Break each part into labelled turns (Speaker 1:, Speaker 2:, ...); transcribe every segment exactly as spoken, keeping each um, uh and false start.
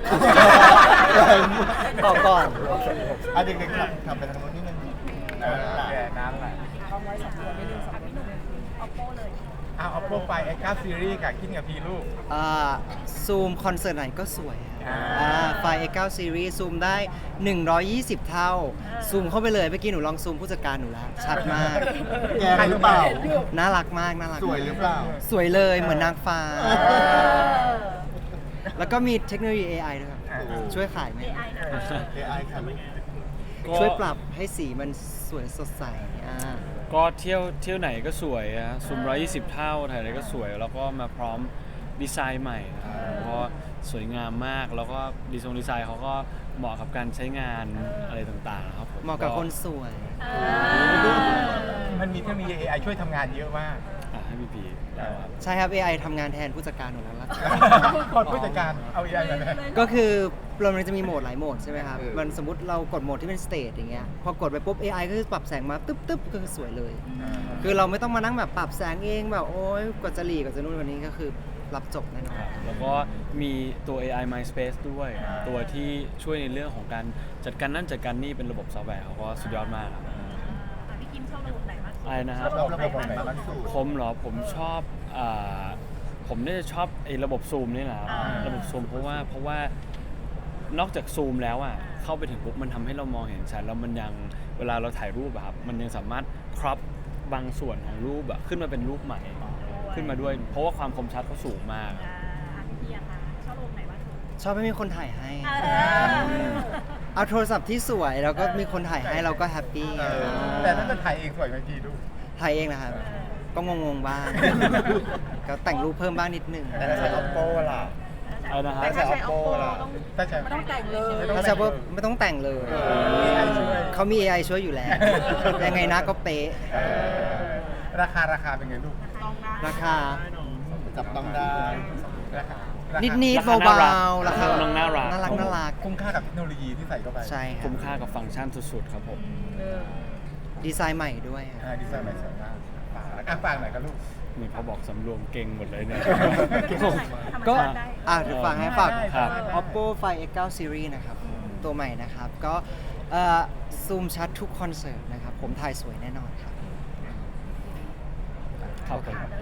Speaker 1: ต่อก่อน
Speaker 2: อ่ะเด็กๆครับทำไปทางโน้นนิดนึง
Speaker 3: เออแกน้ำไหล
Speaker 4: เอาไว้สองตัวไม่ดึงสองตัว Oppo เลย
Speaker 3: เอาเอาโปรไฟล์ เอ็กซ์ เก้า ซีรีส์กับคิดกับพีลูก
Speaker 1: อ่าซูมคอนเสิร์ตไหนก็สวยครับ
Speaker 3: อ่า
Speaker 1: อ่าไฟล์ เอ็กซ์ ไนน์ Series ซูมได้ หนึ่งร้อยยี่สิบ เท่า ซูมเข้าไปเลยเมื่อกี้หนูลองซูมผู้จัดการหนูแล้ว ชัดมาก
Speaker 2: แกหรือเปล่า
Speaker 1: น่ารักมาก น่ารัก
Speaker 2: สวยหรือเปล่า
Speaker 1: สวยเลยเหมือนนางฟ้า
Speaker 2: เออ
Speaker 1: แล้วก็มีเทคโนโลยี เอ ไอ ด้วยครับ
Speaker 3: อ่า
Speaker 1: ช่วยขายไหม
Speaker 4: เอ ไอ นะคะ
Speaker 2: เอ ไอ ค่ะลูก
Speaker 1: ช่วยปรับให้สีมันสวยสดใสอ่า
Speaker 5: ก็เที่ยวเที่ยวไหนก็สวยอะซูมร้อยยี่สิบเท่าถ่ายอะไรก็สวย แล้วก็มาพร้อมดีไซน์ใหม่นะครับเพราะสวยงามมากแล้วก็ดีไซน์ดีไซน์เขาก็เหมาะกับการใช้งานอะไรต่างๆครับผม
Speaker 1: เหมาะกับคนสวย
Speaker 3: มันมีเทคโนโลยี เอ ไอ ช่วยทำงานเยอะมาก
Speaker 5: อ่ะให้พี่พีแล้วครับ
Speaker 1: ใช่ครับ เอ ไอ ทำงานแทนผู้จัดการหนูแล้วล่ะ
Speaker 3: คนผู้จัดการเอา เอ ไอ มาเลย
Speaker 1: ก็คือเรามันจะมีโหมดหลายโหมดใช่ไหมครับ
Speaker 2: เออ
Speaker 1: มันสมมติเรากดโหมดที่เป็นสเต e อย่างเงี้ย พอกดไปปุ๊บ เอ ไอ ก็คือปรับแสงมาตึ๊บตึ๊บก็คือสวยเลย คือเราไม่ต้องมานั่งแบบปรับแสงเองแบบโอ๊ยกว่าจะหลีกว่าจะนู่นกว่านี้ก็คือรับจบแน่นอน
Speaker 5: แล้วก็มีตัว เอ ไอ MySpace ด้วย ตัวที่ช่วยในเรื่องของการจัดการนั่นจัดการนี่เป็นระบบซอฟต์แวร์เขาก็สุดยอดมากครับ
Speaker 4: พี่กิมชอบระบบไหนมากสุด
Speaker 5: อะไรนะครับ
Speaker 2: ชอบระบบไหนมากที่สุด
Speaker 5: ผมเหรอผมชอบอ่าผมเนี่ยจะชอบไอ้ระบบซูมนี่แหละครับ
Speaker 4: อ่า
Speaker 5: ระบบซูมเพราะว่าเพราะว่านอกจากซูมแล้วอ่ะเข้าไปถึงปุ๊บมันทำให้เรามองเห็นชัดแล้วมันยังเวลาเราถ่ายรูปอะครับมันยังสามารถครอปบางส่วนของรูปอะขึ้นมาเป็นรูปใหม่ขึ้นมาด้วย เพราะว่าความคมชัดเขาสูงมาก
Speaker 4: อ่าพี่เพียค่ะชอบระบบไหนมากสุด
Speaker 1: ชอบให้มีคนถ่ายให้
Speaker 4: เออ
Speaker 1: เอาโทรศัพท์ที่สวยแล้วก็มีคนถ่ายให้เราก็แฮปปี้
Speaker 3: เออแต่ถ้าจะถ่ายเองสวยไหมพี่ลูก
Speaker 1: ถ่ายเองนะครับ ก็งงๆบ้าง ก็แต่งรูปเพิ่มบ้างนิดนึง
Speaker 2: แต่ถ้าใช้ Oppo ล่ะ
Speaker 5: อะไรนะฮะ
Speaker 4: แต่ถ้าใช้
Speaker 2: Oppo
Speaker 4: Oppo
Speaker 2: ล่ะ
Speaker 4: ต้อง
Speaker 3: ถ้าใช้
Speaker 4: ไม่ต้องแต่งเลย
Speaker 3: ไม่ต้อง
Speaker 1: ถ้าจะว่าไม่ต้องแต่งเลย
Speaker 3: เออ เอไอ ช่วย
Speaker 1: เขามี เอ ไอ ช่วยอยู่แล้ว ยังไงนะก็เป๊ะ
Speaker 3: เออราคาราคาเป็นไงลูก
Speaker 4: ต้องนะ
Speaker 1: ราคา
Speaker 2: จับต้องได้
Speaker 3: ราคาราคา
Speaker 1: นิดนิด
Speaker 5: ราคา
Speaker 1: เบา
Speaker 5: น่ารัก
Speaker 1: ๆราคา
Speaker 5: น้องน่ารัก
Speaker 1: น่ารักน่ารัก
Speaker 3: คุ้มค่ากับเทคโนโลยีที่ใส่เข้าไป
Speaker 1: ใช่ครั
Speaker 5: คุ้
Speaker 1: บ
Speaker 5: มค่ากับฟังก์ชันสุดๆครับผม
Speaker 4: เออ
Speaker 1: ดีไซน์ใหม่ด้วยครับ
Speaker 3: อ่าดีไซน์ใหม่สวยมากฝากอ่ะฝากหน่อยครับลูก
Speaker 5: นี่พอบอกสำรวมเก่งหมดเลยเนี่ย
Speaker 1: ก็
Speaker 4: ธรรมชาติได้
Speaker 1: อ่ะเดี๋ยวฝากให้ฝาก
Speaker 5: ครับ
Speaker 1: Oppo Find เอ็กซ์ ไนน์ Series นะครับตัวใหม่นะครับ ก็เอ่อซูมชัดทุกคอนเสิร์ตนะครับ ผมถ่ายสวยแน่นอนครับ
Speaker 5: ครับผม
Speaker 4: อ่ะ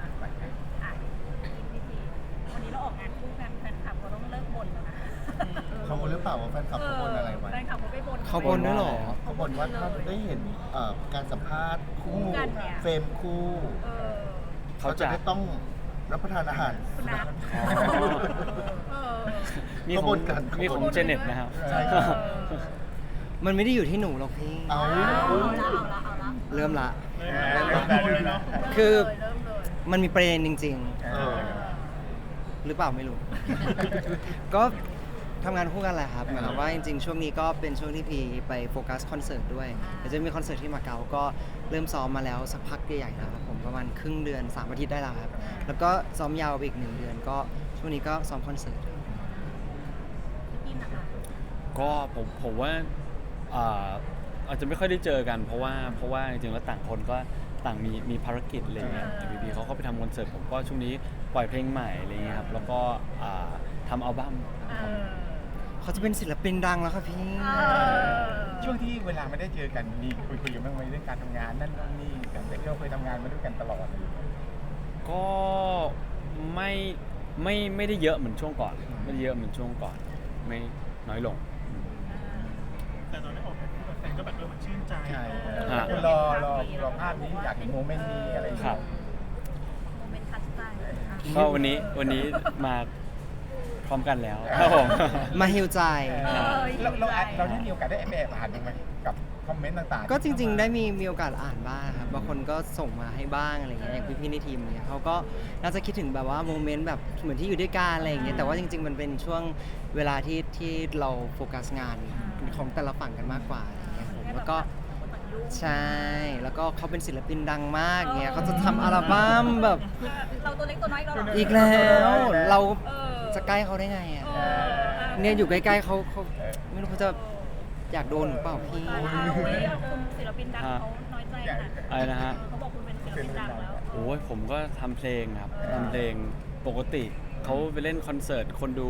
Speaker 4: วันนี้เราออกงานคู่กันแฟนคลับเขาต้องเลิกบ่นแล้วนะ
Speaker 2: เขาบ่นหรือเปล่าว่าแฟนคลับเขาบ่นอะไรไว้
Speaker 4: แฟนคลับเขาไม่บ่น
Speaker 1: เขาบ่นด้วยเหรอ
Speaker 2: เขาบ่นว่าถ้าได้เห็นเอ่อการสัมภาษณ์คู่
Speaker 4: กันเนี่ย
Speaker 2: เฟรมคู่
Speaker 4: เออ
Speaker 2: เขาจะไม่ต้องรับประทานอาหาร
Speaker 4: คุณนัท
Speaker 5: อ๋อ
Speaker 4: เออ
Speaker 5: มี
Speaker 2: เขา
Speaker 5: ขอ
Speaker 2: บ่
Speaker 5: ง
Speaker 2: นกัน
Speaker 5: มีของเจเน็ตนะครับ
Speaker 2: ใช่ครับ
Speaker 1: มันไม่ได้อยู่ที่หนูหรอกพี่
Speaker 2: เอา
Speaker 4: เอาละเอาละเอาละ
Speaker 1: เริ่มละ
Speaker 3: เริ่มได้เลยเนาะ
Speaker 1: คือ
Speaker 4: เริ่มเลย
Speaker 1: มันมีประเด็นจริง
Speaker 2: เออ
Speaker 1: ๆ หรือเปล่าไม่รู้ ก็ทำงานคู่กันแหละครับหมายความว่าจริงๆ ช่วงนี้ก็เป็นช่วงที่พีไปโฟกัสคอนเสิร์ตด้วยเดี๋ยวจะมีคอนเสิร์ตที่มาเก๊าก็เริ่มซ้อมมาแล้วสักพักใหญ่ๆแล้วครับผมประมาณครึ่งเดือนสามอาทิตย์ได้แล้วครับ แล้วก็ซ้อมยาวไปอีกหนึ่งเดือนก็ช่วงนี้ก็ซ้อมคอนเสิร์ต
Speaker 4: พี่กินนะคะ
Speaker 5: ก็ผมผมว่าอ่าอาจจะไม่ค่อยได้เจอกัน เพราะว่าเพราะว่าจริงๆแล้วต่างคนก็ต่างมีมีภารกิจอะไรเงี้ยพีพีเขาก็ไปทำคอนเสิร์ตผมก็ช่วงนี้ปล่อยเพลงใหม่อะไรเงี้ยครับแล้วก็อ่าทำอัลบั้ม
Speaker 4: เออ
Speaker 1: เขาจะเป็นศิลปินดังแล้วครับพี่
Speaker 4: เออ
Speaker 3: ช่วงที่เวลาไม่ได้เจอกันมีคุยคุยกันบ้างไหมเรื่องการทำงานนั่นนู่นนี่กันแต่ก็เคยทำงานมาด้วยกันตลอดเลย
Speaker 5: ก็ไม่ไม่ไม่ได้เยอะเหมือนช่วงก่อน ไม่ได้เยอะเหมือนช่วงก่อน ไม่น้อยลง
Speaker 6: แต่ตอนได้ออกแบบแฟนก็แบบเออมันชื่นใจ
Speaker 3: ใช่
Speaker 5: ฮะ
Speaker 3: รอรอรอภาพนี้อยากเห็นโมเมนต์นี้อะไรอย่าง
Speaker 5: ครั
Speaker 3: เงี้
Speaker 5: บ
Speaker 3: ย
Speaker 4: โมเมนต์ทัชใจอ่ะ
Speaker 5: ก็วันนี้วันนี้มาพร้อมกันแล้วครับผม
Speaker 1: มาฮิวใจ
Speaker 3: เออเราเราเราได้มีโอกาสได้แอบแอบอ่านบ้างไหมกับคอมเมนต์ต่างๆ
Speaker 1: ก็จริง ๆ ได้มีมีโอกาสอ่านบ้างครับบางคนก็ส่งมาให้บ้างอะไรเงี้ยอย่างพี่ๆในทีมเนี่ยเขาก็น่าจะคิดถึงแบบว่าโมเมนต์แบบเหมือนที่อยู่ด้วยกันอะไรอย่างเงี้ยแต่ว่าจริง ๆ มันเป็นช่วงเวลาที่ที่เราโฟกัสงานของแต่ละฝั่งกันมากกว่าอะไรเงี้ยผมแล้วก็ใช่แล้วก็เขาเป็นศิลปินดังมากเงี้ยเขาจะทำอัลบั้มแบบ
Speaker 4: เราตัวเล็กตัวน้อยเราเหรอ
Speaker 1: อีกแล้วเรา
Speaker 4: เออ
Speaker 1: จะใกล้เขาได้ไงอ่ะ
Speaker 4: เออ
Speaker 1: เนี่ยอยู่ใกล้ๆเขาเขาไม่รู้เขาจะอยากโดนหรือเปล่าพี่
Speaker 4: เอาเว้ยคุณศิลปินดังเขาน้อยใจขนาด
Speaker 5: อะไรนะฮะ
Speaker 4: เขาบอกคุณเป็นศิลปินดังแล้ว
Speaker 5: โอ้ยผมก็ทำเพลงครับทำเพลงปกติเขาไปเล่นคอนเสิร์ตคนดู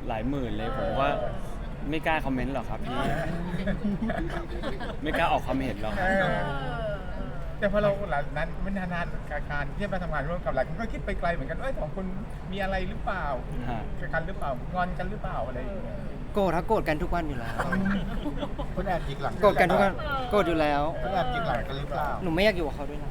Speaker 5: หลายหมื่นเลยผมก็ไม่กล้าคอมเมนต์หรอกครับพี่ ไม่กล้าออกความเห็นหรอกครับ
Speaker 3: เออแต่พอเราหลังนั้นไม่นานๆการที่มาทำงานร่วมกับหลายคนก็คิดไปไกลเหมือนกันว่าสองคนมีอะไรหรือเปล่า
Speaker 5: ฮะ
Speaker 3: กันหรือเปล่างอนกันหรือเปล่าอะไรอย่างเงี้ย
Speaker 1: โกรธถ้าโกรธกันทุกวันอยู่แล้ว
Speaker 2: คุณแอบจิกหลัง
Speaker 1: โกรธกันทุกวันโกรธอยู่แล้ว
Speaker 2: คุณแอบจิกหลังกันหรือเปล่า
Speaker 1: หนูไม่อยากอยู่กับเขาด้วยนะ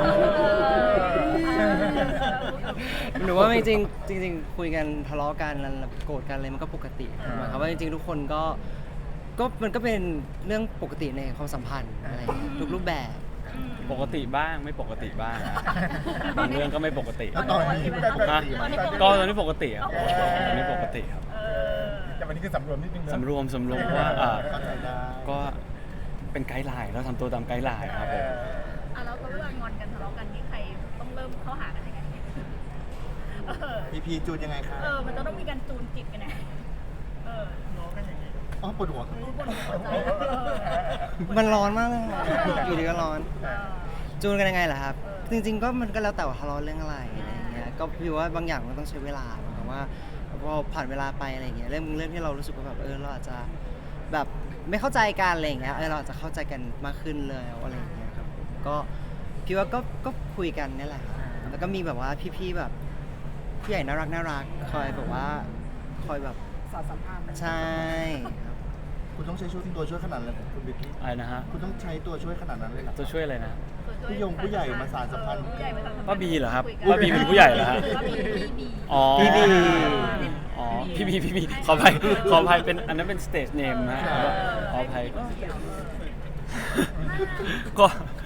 Speaker 1: หนูว่าจริงๆจริงๆคุยกันทะเลาะกันแล้วโกรธกันอะไรมันก็ปกติหมายความว่าจริงๆทุกคนก็ก็มันก็เป็นเรื่องปกติในความสัมพันธ์อะไรอย่างเงี้ยทุกรูปแบบ
Speaker 5: ปกติบ้างไม่ปกติบ้างนะบางเรื่องก็ไม่ปกติ
Speaker 2: แล้วตอนนี้เป็นปก
Speaker 5: ฮะ
Speaker 2: ติไหม
Speaker 5: ก็ตอนนี้ปกติครับตอนนี้ปกติครับ
Speaker 3: แต่วันนี้คือสำรวมนิดนึงนะ
Speaker 5: สำรวมสำรวมเพราะว่าอ่า
Speaker 2: เข้าใจได้
Speaker 5: ก็เป็นไกด์ไลน์เราทำตัวตามไกด์ไลน์ครับผม
Speaker 4: อ่ะแล้วเวลางอนกันทะเลาะกันนี่ใครต้องเริ่มเข้าหากันยังไงเออ
Speaker 2: พีพีจูนยังไงคะ
Speaker 4: เออมันจะต้องมีการจูนจิตกันไงเออ
Speaker 6: น้องกันอย่างนี้
Speaker 2: อ๋อปวดหัวครับ
Speaker 4: รู้บนหัวใจเออ
Speaker 1: มันร้อนมากเลยอะอยู่ดีก็ร้อน
Speaker 4: เออ
Speaker 1: จูนกันยังไงล่ะครับ จริงๆก็มันก็แล้วแต่ว่าทะเลาะเรื่องอะไรอะไรอย่างเงี้ยก็พี่ว่าบางอย่างมันต้องใช้เวลาหมายความว่าพอผ่านเวลาไปอะไรอย่างเงี้ยเรื่องเรื่องที่เรารู้สึกว่าแบบเออเราอาจจะแบบไม่เข้าใจกันอะไรอย่างเงี้ยเออเราอาจจะเข้าใจกันมากขึ้นเลยอะไรอย่างเงี้ยครับผมก็พี่ว่าก็ก็คุยกันนี่แหละครับแล้วก็มีแบบว่าพี่ๆแบบผู้ใหญ่น่ารักน่ารักคอยแบบว่าคอยแบบสอนสัมภาษณ์ใช่ครับ
Speaker 2: คุณต้องใช้ช่วยตัวช่วยขนาดนั้นเลยคุณบิ๊กกี้
Speaker 5: อะไรนะฮะ
Speaker 2: คุณต้องใช้ตัวช่วยขนาดนั้นเลยเหรอ
Speaker 5: ตัวช่วยอะไรนะ
Speaker 2: ผู้ยงผู้ใหญ่มาสานสัมพันธ์
Speaker 4: ผู้ใหญ่มาสานสัมพันธ์
Speaker 5: ป้าบีเหรอครับ
Speaker 4: คุยกัน
Speaker 5: ป้าบีเป็นผู้ใหญ่เหรอฮะ
Speaker 4: ป้าบีบีบี
Speaker 5: อ๋อ
Speaker 1: พี่บี
Speaker 5: อ๋อพี่บีพี่บีขออภัยขออภัยเป็นอันนั้นเป็นสเตจเนมนะขออภัยก็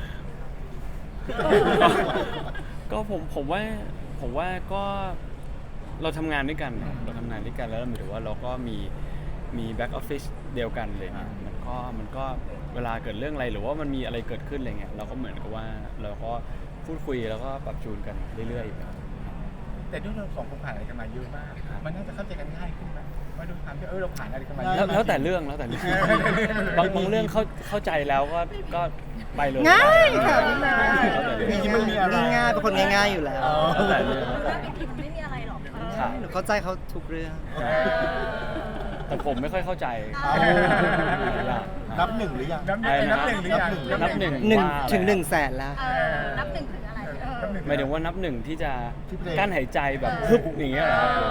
Speaker 5: ก็ก็ผมผมว่าผมว่าก็เราทำงานด้วยกันครับเราทำงานด้วยกันแล้วหมายถึงว่าเราก็มีมีแบ็กออฟฟิศเดียวกันเลยเนี่ยมันก็มันก็เวลาเกิดเรื่องอะไรหรือว่ามันมีอะไรเกิดขึ้นอะไรเงี้ยเราก็เหมือนกับว่าเราก็พูดคุยแล้วก็ปรับจูนกันเรื่อยๆครับ
Speaker 3: แต่ด้วยเราสองคนผ่านอะไรกันมาเยอะมาก
Speaker 5: ครับ
Speaker 3: มันน่าจะเข้าใจกันง่ายขึ้นไหมมาดูความที่เออเราผ่านอะไรกันมาเย
Speaker 5: แล้ว
Speaker 3: อะ
Speaker 5: แล้วแต่เรื่องแล้วแต่เรื่องบางบางเรื่องเข้าเข้าใจแล้วก็ก็ไปเลย
Speaker 1: ง่ายค่ะ
Speaker 5: แล้วแต่เรื่อง
Speaker 2: จริงๆมันมีอะไร
Speaker 1: ง่ายๆเป็นคนง่ายๆอยู่แล้ว
Speaker 5: แล้วแต่เรื่อง
Speaker 4: เรื่องผิดมันไม่มีอะไรหรอกเออ
Speaker 5: ครับ
Speaker 1: หนูเข้าใจเขาทุกเรื่อง
Speaker 5: แต่ผมไม่ค่อยเข้าใจ
Speaker 2: เอา
Speaker 5: หลายอย่าง
Speaker 2: นับหนึ่งหรือยัง
Speaker 3: นับหนึ่งนับหนึ่งหรือยัง
Speaker 5: นับหนึ่ง
Speaker 1: หนึ่ง
Speaker 5: ว่าอะไร
Speaker 1: ถึงหนึ่งแสนแล้ว
Speaker 4: เออนับหนึ่งถึงอะไรเออ
Speaker 3: นับหนึ่ง
Speaker 5: หมายถึงว่านับหนึ่งที่จะ
Speaker 2: ที่เพลง
Speaker 5: กั้นหายใจแบบฮึบอย่างเงี้ยเหรอครับ
Speaker 4: เออ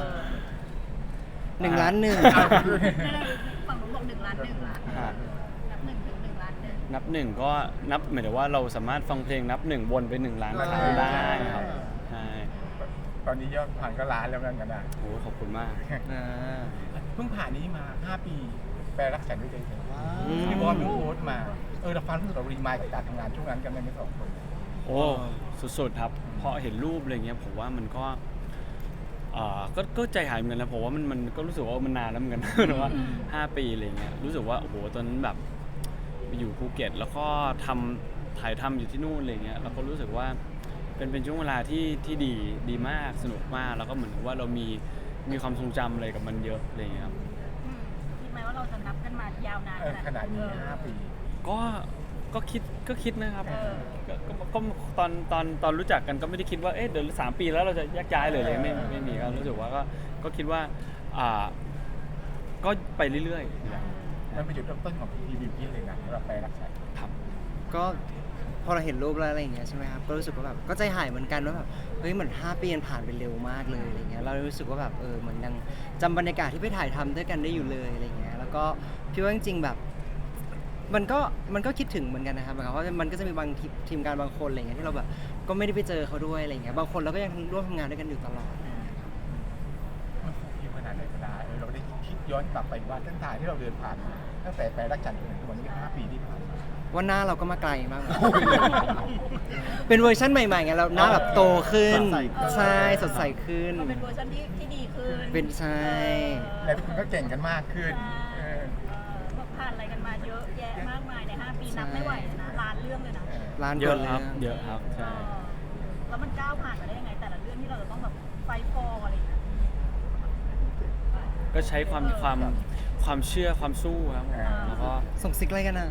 Speaker 1: หนึ่งล้านหนึ่ง
Speaker 4: ฝั่งนู้นบอกหนึ่งล้านหนึ่งล้าน
Speaker 5: ฮะ
Speaker 4: นับหนึ่งถึงหนึ่งล้านหนึ่ง
Speaker 5: นับหนึ่งก็นับหมายถึงว่าเราสามารถฟังเพลงนับหนึ่งวนไปหนึ่งล้านครั้งได้ครับใช่
Speaker 3: ตอนนี้ยอดผ่านก็ล้านแล้วนั่นกันนะ
Speaker 5: โอ้ขอบคุณมาก
Speaker 1: อ่า
Speaker 3: เพิ่งผ่านนี้มาห้าปีแปลรักฉันด้วยใจเธอ
Speaker 2: ว้า
Speaker 1: อืม
Speaker 3: พี่บอลเพิ่งโพสต์มาเออเราฟังรู้สึกเรารีมายด์กับการทำงานช่วงนั้นกันไหมไม่สองคน
Speaker 5: โอ้สุดๆครับพอเห็นรูปอะไรเงี้ยผมว่ามันก็เอ่อก็ก็ใจหายเหมือนกันนะผมว่ามันมันก็รู้สึกว่ามันนานแล้วเหมือนกัน นะว่าห้าปีอะไรเงี้ยรู้สึกว่าโอ้โหตอนนั้นแบบไปอยู่ภูเก็ตแล้วก็ทำถ่ายทำอยู่ที่นู่นอะไรเงี้ยแล้วก็รู้สึกว่าเป็นเป็นช่วงเวลาที่ที่ดีดีมากสนุกมากแล้วก็เหมือนกับว่าเรามีมีความทรงจำอะไรกับมันเยอะอะไรเงี้ยครับ
Speaker 4: อืมคิดไหมว่าเราจะนับกันมายาวนาน
Speaker 3: เออขนาดนี้ห้าปี
Speaker 5: ก็ก็คิดก็คิดนะครับ
Speaker 4: เออ
Speaker 5: ก็ก็ก็ตอนตอนตอนรู้จักกันก็ไม่ได้คิดว่าเอ๊ะเดี๋ยวสามปีแล้วเราจะแยกย้ายเลยเลยไม่ไม่มีก็รู้สึกว่าก็ก็คิดว่าอ่าก็ไปเรื่อยๆ
Speaker 3: มันเป็นจุดเริ่มต้นของพีพีบิวกิ้นเลยนะสำหรับแปลรักฉัน
Speaker 5: ครับ
Speaker 1: ก็พอเราเห็นรูปแล้วอะไรอย่างเงี้ยใช่ไหมครับก็รู้สึกว่าแบบก็ใจหายเหมือนกันว่าแบบเฮ้ยเหมือนห้าปีมันผ่านไปเร็วมากเลยอะไรเงี้ยเรารู้สึกว่าแบบเออเหมือนยังจำบรรยากาศที่ไปถ่ายทำด้วยกันได้อยู่เลยอะไรเงี้ยแล้วก็พี่ว่าจริงๆแบบมันก็มันก็คิดถึงเหมือนกันนะครับหมายความว่ามันก็จะมีบางทีทีมงานบางคนอะไรเงี้ยที่เราแบบก็ไม่ได้ไปเจอเขาด้วยอะไรเงี้ยบางคนเราก็ยังร่วมทำงานด้วยกันอยู่ตลอด
Speaker 3: มันฟูฟิวขนาดไหนก็ได้เออเราได้คิดย้อนกลับไปว่าเส้นทางที่เราเดินผ่านมาตั้งแต่แปลรักฉันจนถึงทุกวันนี้ห้าปีที่ผ่านมา
Speaker 1: ว่าหน้าเราก็มาไกลมาก เป็นเวอร์ชันใหม่ๆไงเราหน้าแบบโตขึ้น
Speaker 2: สดใสขึ้น
Speaker 1: ใช่สดใสขึ้น
Speaker 4: มันเป็นเวอร์ชันที่ที่ดีขึ้น
Speaker 1: เป็นใช่
Speaker 3: และทุกคนก็เก่งกันมากขึ้นเออ
Speaker 4: ก็ผ่านอะไรกันมาเยอะแยะมากมายในห้าปีนับไม่ไหวเลยนะล้านเรื่องเลยนะ
Speaker 1: ร้าน
Speaker 5: เย
Speaker 1: ก่อ
Speaker 5: อะ
Speaker 1: นเล
Speaker 5: ครับ
Speaker 1: ย
Speaker 5: เยอะครับใช่
Speaker 4: เออแล้วมันก้าวผ่านมาได้ยังไงแต่ละเรื่องที่เราจะต้องแบบไฟฟอร์อะไรอย่างเงี้ย
Speaker 5: ก็ใช้ความความความเชื่อความสู้ครับผมแล้วก็
Speaker 1: ส่งซิกอะไรกันอ่ะ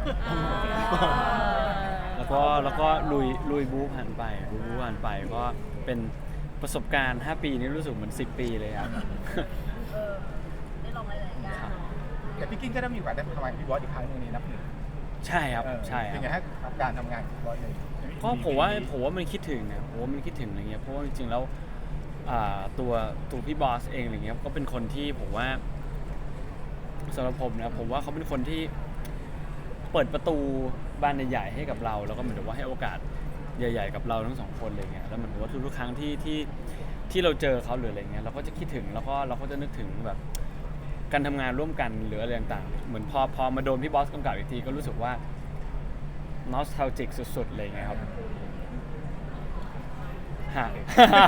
Speaker 5: แล้วก็แล้วก็ลุยลุยบู๊ผ่านไปบู๊ผ่านไปก็เป็นประสบการณ์ห้าปีนี้รู้สึกเหมือนสิบปีเลยครับ
Speaker 4: เอเออได้ลองหลายๆอย่าง
Speaker 3: แต่พี่กิ้งก็ได้มีโอกาสได้ทำงานกับพี่บอสอีกครั้งหนึงในนับหนึ่ง
Speaker 5: ใช่ครับ
Speaker 3: เออ
Speaker 5: ใช่ค
Speaker 3: เป็นไง
Speaker 5: รับ
Speaker 3: ฮะการทำงานกับพี่บอสเลย
Speaker 5: ก็ผมว่าผมว่ามันคิดถึงนะผมว่ามันคิดถึงอะไรเงี้ยเพราะว่าจริงๆแล้วอ่าตัวตัวพี่บอสเองอะไรเงี้ยก็เป็นคนที่ผมว่าสำหรับผมนะผมว่าเขาเป็นคนที่เปิดประตูบานใหญ่ๆให้กับเรา แล้วก็เหมือนกับว่าให้โอกาสใหญ่ ๆ กับเราทั้งสองคนอะไรเงี้ยแล้วเหมือนกับว่าทุกๆครั้งที่ที่ที่เราเจอเขาหรืออะไรเงี้ยเราก็จะคิดถึงแล้วก็เราก็จะนึกถึงแบบการทำงานร่วมกันหรืออะไรต่างๆเหมือนพอพอมาโดนพี่บอสกำกับอีกทีก็รู้สึกว่า nostalgic สุดๆเลยไงครับฮะ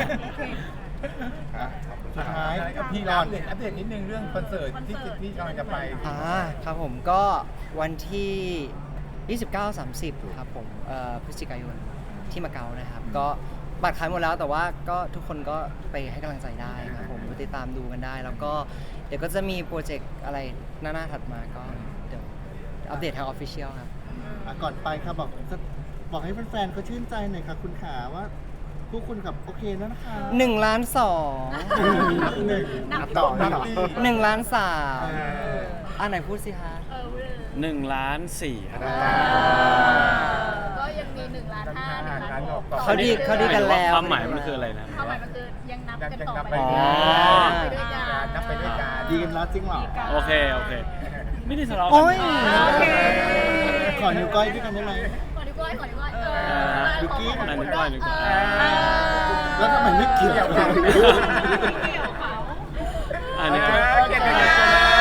Speaker 2: อ่ะสุดท้าย
Speaker 3: กับพี่
Speaker 2: ก่
Speaker 3: อั
Speaker 2: อน
Speaker 3: ปเดตอัปเดตนิดนึงเรื่องคอนเสิร์ตที่จะที่กำลังจะไป
Speaker 1: อ่าครับผมก็วันที่ ยี่สิบเก้า สามสิบ ครับผมเอ่อพฤศจิกายนที่มาเก๊านะครับ ก็บัตรขายหมดแล้วแต่ว่าก็ทุกคนก็ไปให้กำลังใจได้ครับผมไปติดตามดูกันได้ แล้วก็เดี๋ยวก็จะมีโปรเจกต์อะไรหน้าๆถัดมาก็เดี๋ยวอัปเดตทางออฟฟิเชียลครับ
Speaker 2: อ่ะก่อนไปครับบอกบอกให้แฟนๆเขาชื่นใจหน่อยค่ะคุณขาว่าพวกคุณกับโอเคแล้วนะคะ
Speaker 1: หนึ่งล้านสอง
Speaker 2: นับหนึ่งนับต่อนับต่อ
Speaker 1: หนึ่งล้านสาม
Speaker 2: เออ
Speaker 1: อ่ะไหนพูดสิฮะ
Speaker 4: เออเว้ย
Speaker 5: หนึ่งล้านสี่ครับ
Speaker 4: ก็ยังมีหนึ่งล้านห้าหนึ่งล้านหก
Speaker 1: เขาดีเขาดีกันแล้ว
Speaker 5: ความหมายมันคืออะไรนะ
Speaker 4: ความหมายมันคือยังนับกันต่อไป
Speaker 5: อ๋อ
Speaker 4: ไปด้วยกัน
Speaker 3: นับไปด้วยกัน
Speaker 2: ดีกันแล้วจริงเหรอ
Speaker 5: โอเคโอเค ไม่ได้ทะเลาะกั
Speaker 1: โอ้ย
Speaker 4: โอเค
Speaker 2: ขอนิ้วก้อยด้วยกันได้ไหม
Speaker 4: ขอดีกว่าขอดีกว่าเออ
Speaker 2: บิวกิ้น
Speaker 5: อันนี้ก้อยหนึ่งก้อย
Speaker 2: แล้วทำไมไม่เกี่ยวกัน
Speaker 4: เกี่ยวเขา
Speaker 5: อันนี้ก้อย
Speaker 3: เก่งกัน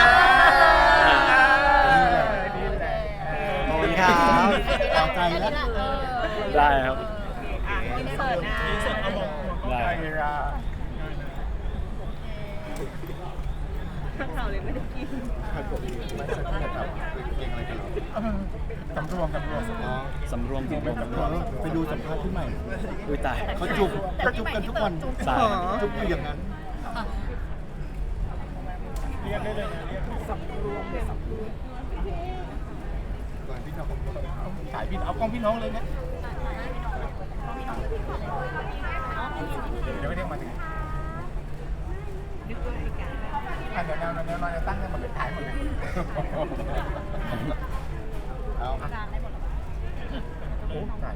Speaker 3: ดีแหละ
Speaker 1: ขอบคุณครับ
Speaker 2: ต่อใจแล้ว
Speaker 5: ได้ครับ
Speaker 4: อินเสิร์ตนะ
Speaker 6: อินเสิร์ตเอาบอกหัวกล้อง
Speaker 5: ได้
Speaker 3: ไปละ
Speaker 2: ครับผมไม่ใช่ที่จะทำเพลงอะไรกันหรอ
Speaker 3: สำรวมสำรวม
Speaker 2: อ๋อ
Speaker 5: สำรวมสำรวมสำรวม
Speaker 2: ไปดูสัมภาษณ์ที่ใหม่
Speaker 5: อุ้ยตาย
Speaker 2: เขาจุบเขาจุบกันทุกวัน
Speaker 5: สาย
Speaker 2: จุบอยู่อย่างนั้น
Speaker 6: เรียกได้เลยนะเรียก
Speaker 2: ก่อนที่เรา
Speaker 3: สายพี่เอากล้องพี่น้องเลยนะเดี๋ยวไม่ได้มาถึงอ่ะเดี๋ยวเราเดี๋ยวเราจะตั้งกันหมดเลยถ่ายหมดเลย
Speaker 2: เอา
Speaker 3: โอ้ถ่าย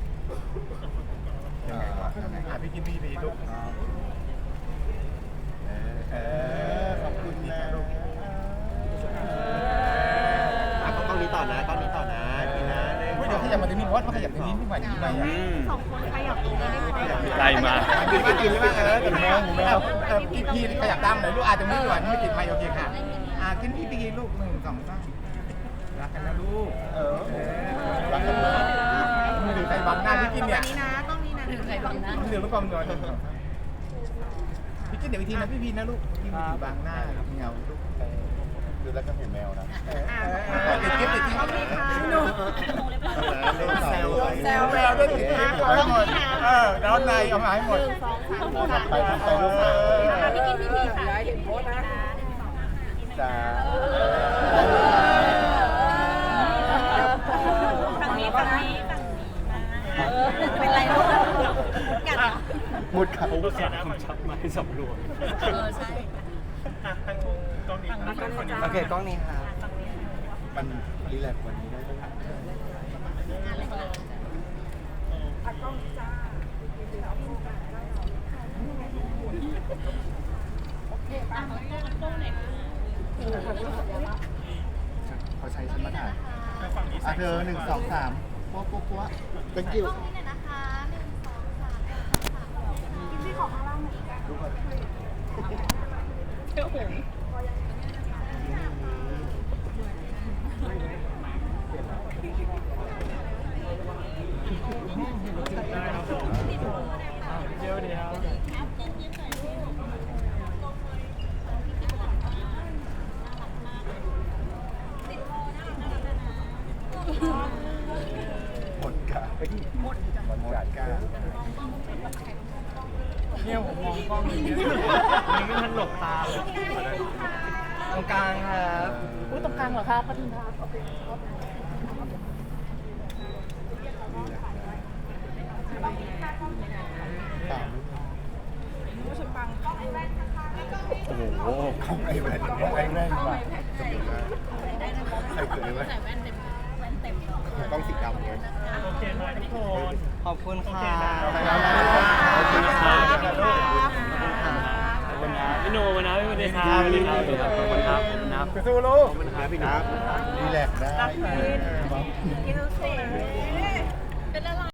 Speaker 3: ยังไงวะอ่ะพี่กินดีดีลูก
Speaker 2: เออขอบคุณนะ
Speaker 3: อ่ะกล้องนี้ต่อนะกล้องนี้ต่อนะพี่นะเดี๋ยวขยับมาตรงนี้เพราะว่าขยับตรงนี้ขึ้นมาดีไหม
Speaker 5: อืม
Speaker 4: สองคนขยับตรงนี้ได้ไหม
Speaker 5: ไล่มา
Speaker 3: กินไม่กินหรือเปล่าเออกินแมวหมูแมวเออพี่พี่ขยับตามหน่อยลูกอาจจะไม่ดีกว่านี่ไม่ติดไมค์โอเคค่ะอ่ะกินพี่พี่กินลูกหนึ่งสองสามรักกันนะลูกเออรักกันนะมือถือใครบังหน้าพี่กินเนี่ย
Speaker 4: นี้นะต้องนี้นะถึงใครบังนะ
Speaker 3: มือถือลูกกองนอนพี่กินเดี๋ยวอีกทีนะพี่พีนะลูกพี่มือถือบังหน้าเงาลูก
Speaker 2: ดูแล้วก็เห็นแมวนะ
Speaker 3: ติดกิ๊บติดกิ๊บ
Speaker 4: หนู
Speaker 2: แซว
Speaker 3: แซวแมวด้วยติดกิ๊บเอาให้หมดเออแล้วในเอามาให้หมด
Speaker 2: ไปทำไปลูกมา
Speaker 4: พี่กินพี่พีค่ะเห็นโพสนะ
Speaker 2: จ้า
Speaker 4: ฝั่งนี้ฝั่งนี้เป็นไรลูกกัด
Speaker 2: มุดขา
Speaker 5: ผมก็ขาดคำชับมาให้สำรวม
Speaker 4: เออใช่
Speaker 6: อ่ะทางกล้องนี้ครับ
Speaker 1: โอเคกล้องนี้ครับ
Speaker 2: มันรีแลกซ์กวันนี้ได้ไหม เขาใช้ฉันมาถ่าย
Speaker 6: ฝั่งนี้
Speaker 2: อ่ะเธอหนึ่งสองสามปั๊วปั๊วปั๊ว thank you ดูก่อน
Speaker 5: เดี๋ยวเดี๋ยว
Speaker 2: หมดกาหมดหมดกา
Speaker 5: เนี่ยผมมองกล้องอย่างเงี้ยมันไม่ทันหลบตาเลย
Speaker 1: ตรงกลางครับ
Speaker 4: อุ้ยตรงกลางเหรอคะปทุมธานี
Speaker 2: สาม
Speaker 5: โอ้โห
Speaker 3: ของไอ้แว่นของไอ้แว่นดีกว่าจำได้ใครเกิดไอ้แว่น
Speaker 4: ใส่แว่นเต็มแว่นเต็มเลย
Speaker 3: ต้องสีดำเลย
Speaker 6: โอเคไหมทุกคน
Speaker 1: ขอบคุณค่ะ
Speaker 5: ขอบคุณครับ
Speaker 1: ขอบคุณค่ะ
Speaker 5: ขอบคุณครับพี่โนมานะพี่วันดีครับสวัสดีครับสวัสดีครับขอบคุณครับขอบคุณครับ
Speaker 3: สู้ลูก
Speaker 5: ขอบคุณครับพี่ครับ
Speaker 3: รีแลกซ์ได้
Speaker 4: กินเสร็จเป็นอะไร